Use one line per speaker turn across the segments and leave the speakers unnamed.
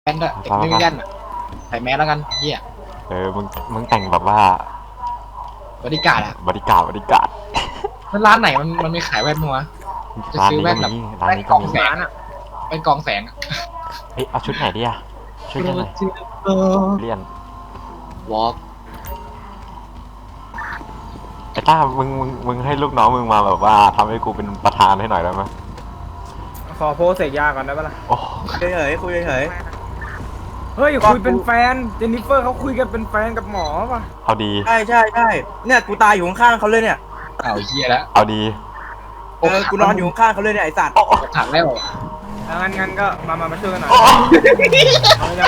แว่นด้วยเด็กไม่มีแว่นอ่ะใส่แมสแล้วกันเฮีย
มึงแต่งแบบว่า
บริการอ่ะ
บริการ
แล้วร้านไหนมันไม่ขายแว่นมั้งวะจะ
ร้าน
ซื้อ
นี้
แว่
ก็
นแบบ
มีร้าน
แว่น
นี้
ก
ก็
อง
มี
แสงอ่ะแว่นกองแสงอ่ะ
เอ้ยเอาชุดไหนดีอะช่วยกันหน่อยเลี่ยน
วอล์ก
ไอ้ต้ามึงให้ลูกน้องมึงมาแบบว่าทำให้กูเป็นประธานให้หน่อยได้ไหม
ขอโพสเสกยาก่อนได้ปะล่ะ
โอ้
เฉยๆคุยเฉย
เฮ้ยคุยเป็นแฟนเจนนิเฟอร์เขาคุยกันเป็นแฟนกับหมอป่ะ
เอาดี
ๆใช่เนี่ยกูตายอยู่ข้างๆเขาเลยเนี่ย
อ้าวเฮียแล้ว
เอาดี
กูนอนอยู่ข้างๆเขาเลยเนี่ยไอสัตว์
ถังแล้ว
งั้นก็มาช่วยกันหน่อยเรายัง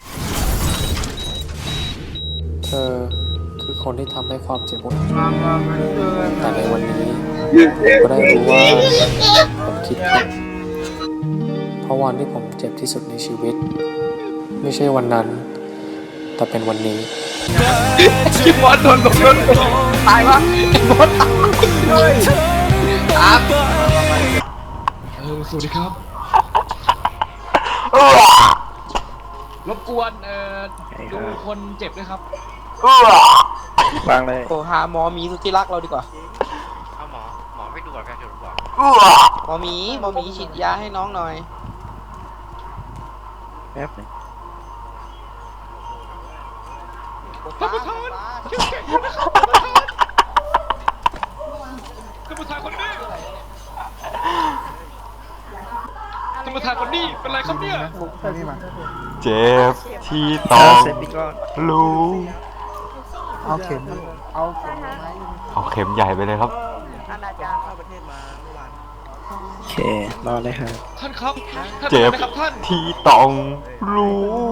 เธอคือคนที่ทำให้ความเจ็บปวด
มาช่วยกันหน่
แต่
อย
ในวันนี้ผมก็ได้รู้ว่าผมคิดผิดเพราะวันที่ผมเจ็บที่สุดในชีวิต ไม่ใช่วันนั้น แต่เป็นวันนี้
คิมมอนโดนตายวะไอ้มอนตายเลยครับสวัสดีครับรบกวนดูคนเจ็บด้วยครับ
วางเลย
โอ้หาหมอหมีสุดที่รักเราดีกว่า
เอาหมอไม่ดูก่อนแฟนฉุดบอก
หมอหมีฉีดยาให้น้องหน่อย
แป๊บนึง
ท่านประธานเข้มแข็งนะครับท่านประธานคนนี้ท่านประธานคนนี้เป็นไรครับเนี่ย
เจ็บที่ต้องรู้
เอาเข็ม
เอาเข็มใหญ่ไปเลยครับ
เข้าประเทศมาเมื่อวานโอเครอเลยครับ
ท่านครับท่าน
เจ็บ
เป็นไรครับท่าน
ที่ต้องรู้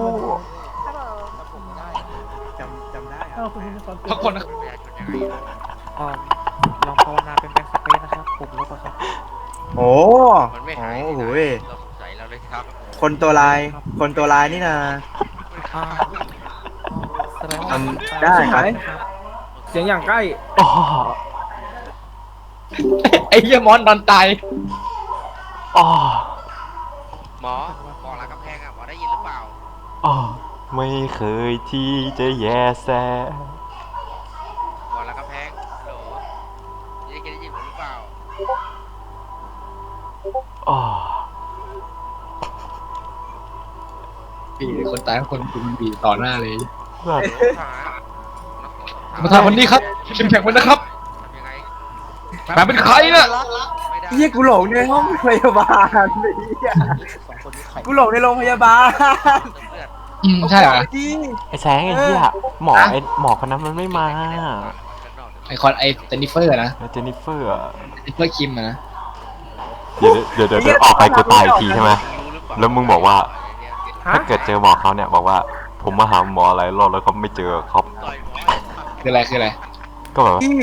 จำได้
พักผ่อนนะ
ประชาชนยังไง
ลองภาวนาเป็นแบ็คสเปซนะครับผมลบอะครับ
โอ้
มันไม่หาย
โอ้โห
เราสงสัยเราเลยครับ
คนตัวลายนี่นะ
อ่าแสดงว่า
ทำได้ครับ
เสียงอย่างใกล้
อ๋อ
ไอ้เหี้ยมอนนอนตาย
อ๋อ
หมอบอกหลังกำแพงอ่ะหมอได้ยินหรือเปล่า
อ๋อไม่เคยที่จะแย่แซ
บอกหลังกำแพงฮัลโหลได้ยินผมหรือเปล่า
อ๋อ
พี่คนตายคนคุณบีต่อหน้าเลย
แบบ
ถาม
ท่านประธานคนนี้ครับเข้มแข็งไว้นะครับ
ทำยังไง
แหมเป็นใครน่ะ
ไม่ได้
เฮียกูหลงในห้องพยาบาลเลยเหี้ยกูหลงในโรงพยาบาล
เลือด
ใช่เหรอ
จริง
ไอ้แสงไอ้เหี้ยหมอคนนั้นมันไม่มา
ไอคอนไอเจนนิเฟอร์นะ
ไอ้เจนนิเฟอร์อะ
เจนนิเฟอร์คิมนะ
เดี๋ยวออกไปกูตายอีกทีใช่ไหม แล้วมึงบอกว่า
ฮะ
ถ้าเกิดเจอหมอเขาเนี่ยบอกว่าผมมาหาหมอหลายรอบแล้วเขาไม่เจอเขา
ต่อยหมอ
คืออะไรคืออะไร
ก็แบบว่า
พี่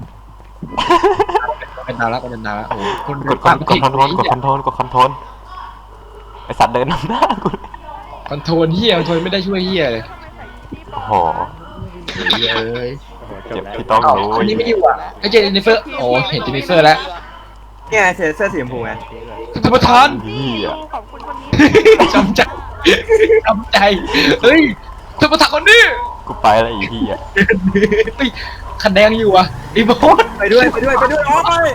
เป็นดาวแล้วเป็นดาวแล้วโอ้โหคน
กดคอนโทรลไอสัตว์เดินนำหน้ากูเลย
คอนโทรลเฮียคอนโทรลไม่ได้ช่วยเฮียเลย
โอ้โห
เฮียเอ้ย
เจ็บที่ต้องรู้
คนนี้ไม่อยู่อ่ะไอเจนนิเฟอร์โอ้เห็นเจนนิเฟอร์แล้ว
เนี่ยเสื้อสีชมพูไง
ท่านประธาน
นี่อ่ะ
จำใจจำใจเฮ้ยท่านประธานคนนี้
กูไปแล้วอีกทีอ่ะ
เฮ้ยคันแดงอยู่อ่ะไอ้บอส
ไปด้วยโอ้ย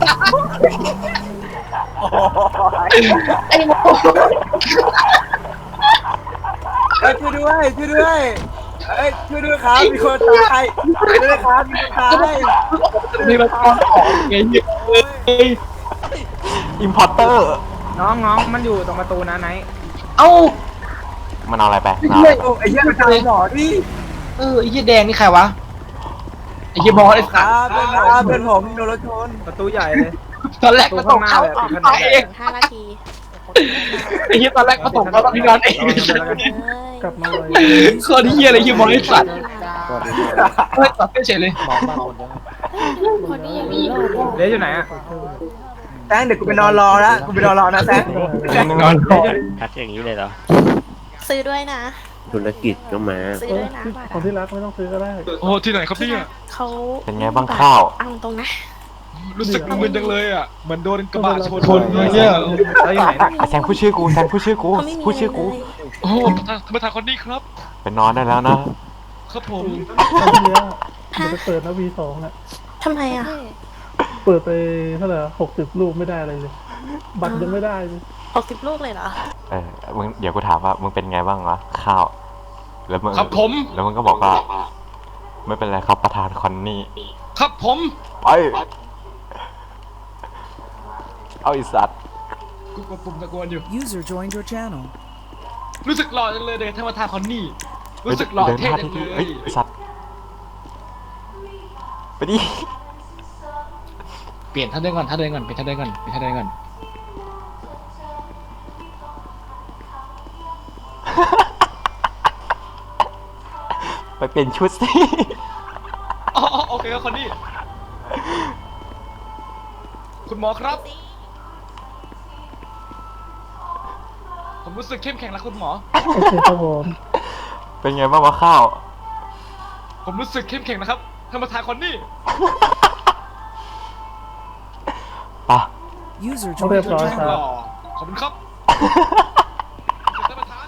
ไอ้บอส
ช่วยด้วยช่วยด้วยครับมีคนตายช่วยด้วยครับมีคนตาย
นี่มันตอนออกไงเนี่ยเฮ้ย
อิมพอร์เตอร์
น้องมันอยู่ตรงประตูนะไนท์
เอ้า
มันเอาอะไรไป
โอ้ไอ้เหี้ยมันตายหมอดิ
ไอ้เหี้ยแดงนี่ใครวะไอ้เหี้ยบอสไอ้
ค
สั
รั
ต
บ
ว์
เพื่อนผมโดนรถชน
ประตูใหญ่เลย
ตอนแรกก็ตกเขาตายเอง
5 นาที
ไอ้เหี้ยตอนแรกก็ตกเขาตอนที่นอนเอง
กลับมาเลย
คนเหี้ยอะไรเหี้ยบอสไอ้สัตว์เฮ้ยตัดเฉยเลย
คนนี้ยังมีรอดอยู่
เดี๋ยวอยู่ไหนอะ
แซงเดี๋ยวกูไปนอนรอนะแซง
นอนรอ
ทักอย่างนี้เลยเหรอ
ซื้อด้วยนะ
ธุรกิจก็มา
ซื้อด้วยนะบัตร
ของที่รักไม่ต้องซื้อก็ได้
โอ้ที่ไหนครับเนี่ย
เขา
เป็นไงบ้างข้าว
เอาตรงนะ
รู้สึกมึนจังเลยอ่ะเหมือนโดนกระบะชนเลยเนี่ย
เราอยู่ไหนนะ
แซงพูดชื่อกูแซงพูดชื่อกู
เขาไม่มี
พูดชื่อกู
เลย
โอ้ธรรมทานคนนี้ครับ
ไปนอนได้แล้วนะ
ครับผม
ตอนที่แล้ว
ฮะ
จะเปิดนะ V2 อ่ะ
ทำไมอ่ะ
เปิดไปเท่าไหร่60 ลูกไม่ได้อะไรเลย บัตรยังไม่ได้เลย
60 ลูกเลยเหรอ
มึงเดี๋ยวกูถามว่ามึงเป็นไงบ้างวะข้าว แล้วมึง
ครับผม
แล้วมึงก็บอกว่า ไม่เป็นไรครับประธานคอนนี่
ครับผม
ไปเอาไอีสัตว์
กูกดปุ่มตะโกนอยู่
User joined your channel.
รู้สึกหล่อจังเลยเด็กธรรมทานคนนี้รู้สึกหล่อเท่จังเล
เฮ้
ย
ยไอ้สัตว์ไปดิ
เปลี่ยนท่าเดินก่อนท่าเดินก่อนเปลี่ยนท่าเดินก่อนเปลี่ยนท่าเดินก่อน
ไปเปลี่ยนชุดสิ
อ๋อโอเคครับคนนี้คุณหมอครับ ผมรู้สึกเข้มแข็งแล้วคุณหมอ
โอเคครับผม
เป็นไงบ้างวะข้าว
ผมรู้สึกเข้มแข็งนะครับธรรมทานคนนี้
ปะ
User
เรีย
joined
บร้อย
your
ครั
ห
บ
ล่อขอบคุณครับท่านประธาน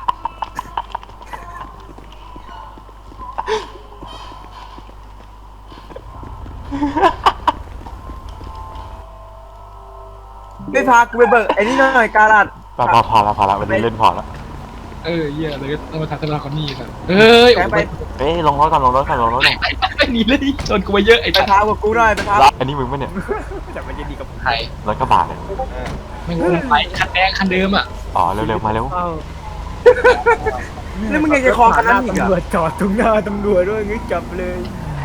ไม่พากูไปเบิกไอ้นี่หน่อยการัด
พอแล้ววันนี้เล่นพอแล้ว
เยี่ยเลยธรรมทานคนนี้ครับเอ้ย
ไป
เอ้ยลงรถก่อนลงรถก่อน
ไอ้นี่เลยโดนกูมาเยอะไอ้
ไปพากับกูหน่อยไปพา
อันนี้มึงปะเนี่ย
แต่มันจะดีกับผม
ไทย
รถกระบะเนี่ย
ไม่งงไปคันแดงคันเดิมอ่ะ
อ๋อเร็วๆมาเร็ว
แล้วมึงยังจะคลองกันนั่นอีก
ตำร
เหร
ว
อ
จจอดตรงหน้าตำรวจด้วยงี้จับเลย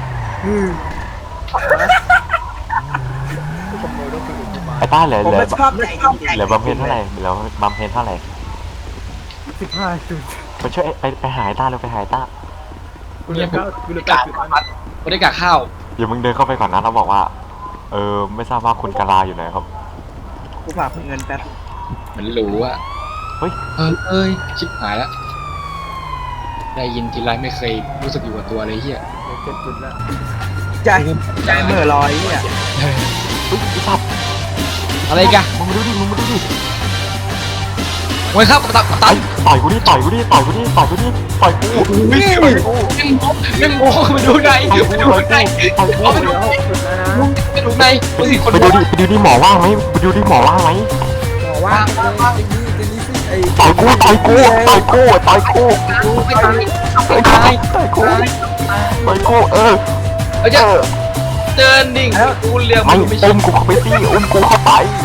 ขโมยรถคนอื่นเข้ามา
ไอ้ต้าเหลือ
ผม
เหลือ
ไม่ชอบใจดี
เหลือบำเพ็ญเท่าไหร่เหลือบำเพ็ญเท่าไหร่
15 จุด
ไปช่วยไปหายต้าเร็วไปหายต้า
กูเหลือ9กูเหลือ9จุด
ไม่ได้กะข้าว
เดี๋ยวมึงเดินเข้าไปก่อนนะแล้วบอกว่า ไม่ทราบว่าคุณกาลาอยู่ไหนครับ
กูฝากเงินแป๊บ
มันรู้อ่ะ
เฮ้ย
เอ้ยชิบหายแล้วได้ยินทีไรไม่เคยรู้สึกอยู่กับตัวเลยเฮีย
7 จุดแล้ว
ใจเหม่อลอยเนี่ย
เฮ้ยไอ้สัตว์
อะไรกัน
มึงมาดูดิ
โอ้ยครับตัด
ต่อยกูดิต่อยกูแม่งโง่
ไม่ดูในไปดูใน
ต่อยกู
ไปดูในมึงสิคน
ไปดูดิหมอว่างไหมไปดูดิหมอว่างไหม
หมอว่า
ต่อยกูเออ
เดินดิ่งกูเรียก
ไม่
ไม่
อุ้มกูเข้าไปสิอุ้มกูเข้าไป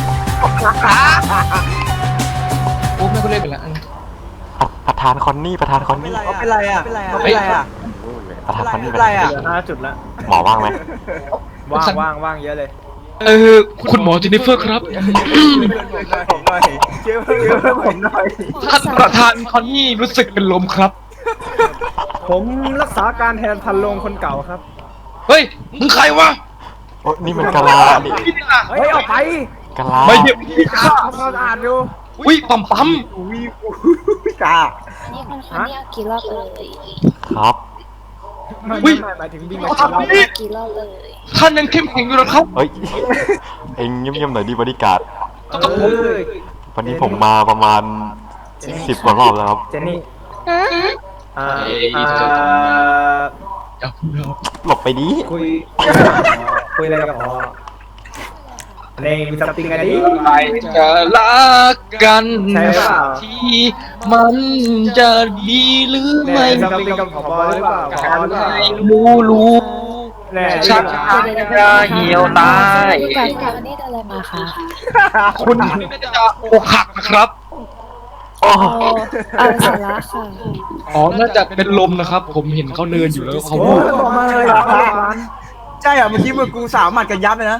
กูไม่กูเล่นไปแล้ว
ประธานคอนนี่
เขาเป็นไรอ่ะเขาเป็นไรอ่ะ
ประธานคอนนี่
เป็นไรอ่ะ
เหลือ5 จุดแล้ว
หมอว่างไหม
ว่างเยอะเลย
คุณหมอเจนนิเฟอร์ครับ
ผมหน่อยเชื่อผมหน่อย
ท่านประธานคอนนี่รู้สึกเป็นลมครับ
ผมรักษาการแทนพันโลงคนเก่าครับ
เฮ้ยมึงใครวะ
โอ้นี่มันกะลาดิ
เฮ้ยเอาไป
กะลา
ไม่เห็น
ข้าวเขาอ่านอยู่
อุ้ยปั๊ม
อุ้ยจ้า
นี่คนเขาเรียกกี่รอบเลย
ครับ
ไม่หมายถึงวิ่งมากี่รอบ
กี่รอบเลย
ท่านยังเข้มแข็งอยู่หรอครับ
เฮ้ยเอ็งเงียบๆหน่อยดิบริการ
กับผม
วันนี้ผมมาประมาณ10 กว่ารอบแล้วครับ
เจนนี่
หลบไปดิ
คุยอะไรกับอ๋อในมีซัมติงกันดิ
ใครจะรักกัน
ใช่เปล่า
ที่มันจะดีหรือ
ใน
ไม่
ซัมติงกับผบหรือเปล่าผบหรือเปล่า
รู้
แน่
ชักจะเหี่ยวตาย
การนี่อะไรมาคะ
คุณน่าจะอกหักนะครับ
เอาสาระค่ะ
อ๋อ น่าจะเป็นลมนะครับ ผมเห็นเขาเดินอยู่แล้วเขา
โอ้บอกมาเลยร้าน
ใช่เหรอเมื่อกี้มือกูสาวหมัดกันยับเลยนะ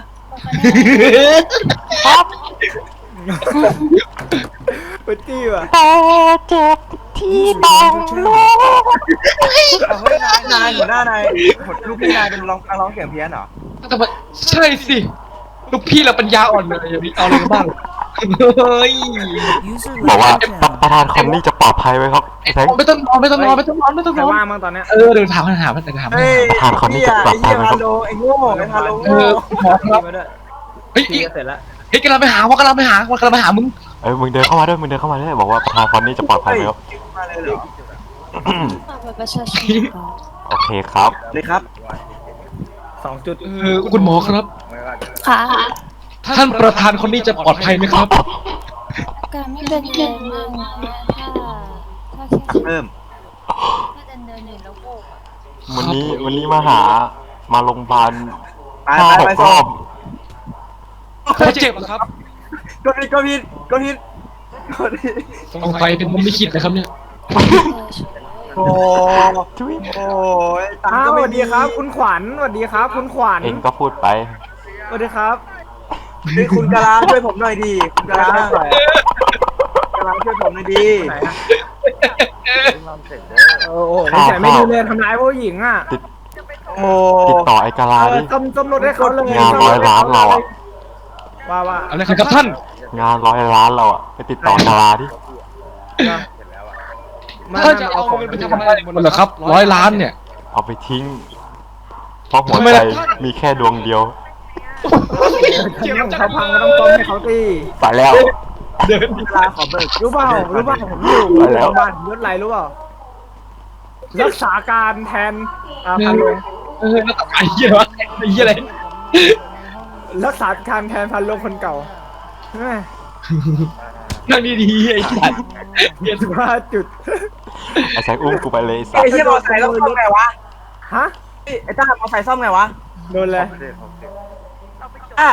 ปตี้ว่ะ
แต่เจ็บที่ต้องรู้
เฮ้ยนายหัวหน้านายลูกพี่นายเป็นร้องเสียงเพี้ยนเหรอ
แต่ว่าใช่สิ ลูกพี่เราปัญญาอ่อนเลยอย่างนี้เอาอะไรกันบ้างเฮ้ย
User
บอกว่า
left your channel.
ประธานคอนนี่จะปลอดภัยไหมครับไอ้แซง
ไม่ต้องนอนไม่ต้องนอนไม่ต้องนอนไม่ต้อง
ใคร
นอน
ว่างบ้างตอนเนี้ย
เดี๋ยวถามเดี๋ยวถาม
เฮ้ย
ประธานคนนี้จะปรับ
ไอ้
ไป
เหี้ย
ไหมครับ
พาโลไอ้โง่ไอ้พาโล
เอ
โง่
อหมอครับ
มาด้วย
เฮ้ย
พี่เสร็จแล้ว
เฮ้ยกำลังไปหามึง
มึงเดินเข้ามาด้วยมึงเดินเข้ามาด้วยบอกว่าประธานคอนนี่จะปลอดภัยไหมครับ
มาเลยเหรอ
ฝากบัตรประชาชนค่ะ
โอเคครับ
เลยครับ
2 จุด
คุณหมอครับ
ค่ะ
ท่านประธานคนนี้จะปลอดภัยไหมครับ
การไม่เป็นไรมากนะถ้าแค่
เริ่ม
ถ้าเดินอยู่แล้วโบกอะ
วันนี้มาโรงพยาบาล
ไป
5-6
ไป
ร
ส่
อง บ
เขาเจ็บเหรอครับ
ก็ผิดก็ผิดก็ผิด
สงสัยเป็นผมไม่คิดนะครับเนี่ย
โอ้ยตัง
อ้า
ค์
ว
ก็
ส
ไม่
วัสดีครับคุณขวัญสวัสดีครับคุณขวัญ
เองก็พูดไป
สวัสดีครับ
คือคุณกะลาช่วยผมหน่อยดีคุณกะลากะลาช่วยผมหน่อยดี
ไหนอะโอ้โหนิสัยไม่ดีเลยทำร้ายผู้หญิงอ่ะ
โอ้
ติดต่อไอ้กาลาดิ
ต้มรถให้เขาเลย
งาน100 ล้านเราอะ
ว่า
อะไรครับท่าน
งาน100 ล้านเราอะไปติดต่อกาลาดิ
ท่านจะเอาเงินไปทำอะไรหมดเหรอครับ100 ล้านเนี่ย
เอาไปทิ้ง เพราะหัว
ทำไม
ใจ
ล่ะ
มีแค่ดวงเดียว
ของเขาพังก็ต้องต้มให้เขาตี
ไปแล้ว
กะลาขอเบิก
รู้เปล่าผมอยู่
ไปแล้ว
โรงพยาบาลยศไรรู้เปล่ารักษาการแทนพันลง
แล้วไอ้เหี้ยวะไอ้เหี้ยอะไร
รักษาการแทนพันลงคนเก่าแม่
นั่งดีๆไอ้สัตว์
15 จุด
ไอ้แซงอุ้มกูไปเลยไอ้สั
ไอ้
ส
เหี้ยมอไซค์ต้องซ่อมไงวะ
ฮะ
ไอ้ต้ามอไซค์ซ่อมไงวะ
โดนเลย
อ่ะ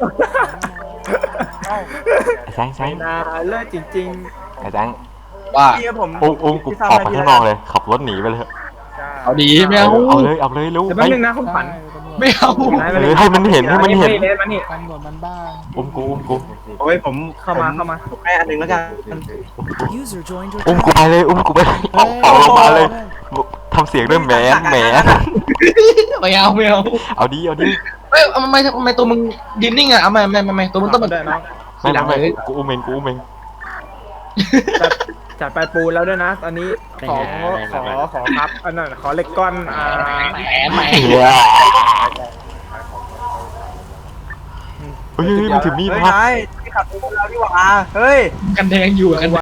ไอ้แซง
ไม่น่าเลิศจริง
ไอ้แซง
ว่า
พี่กับผม
อุ้มกูออกไปข้างนอกเลย ขับรถหนีไปเลย
เอาดีไม่เอา
เอาเลยรู้
ๆแต่
ไป
แป๊บนึงนะคุณขวัญ
ไม่เอา
ให้มันเห็นให้มันเห็น
มานี่
อุ้มกู
โอ้ยผม
เข้ามา
ผมให้อันหนึ่งแล้วกัน
User joined your
อุ้มกู
channel.
ไปเลยอุ้มกูไปเลยออกลงมาเลยทำเสียงด้วยแหม
ไม่เอา
เอาดี
เอ้ยทำไมตัวมึงยืนนิ่งอ่ะเอาไม่ตัวมึงต้อง
ด้วยน้อง
ไม่กูอุ้มเอง
จัดไปปูแล้วด้วยนะ ตอนนี้ขอครับอันนั้นขอเหล็กก้อน
แหม
เฮียเฮ้ยมันถือมีด
เฮ้ย
มา
นายที่ขับรถเราดีกว่าเฮ้ย
กันแดงอยู่กัน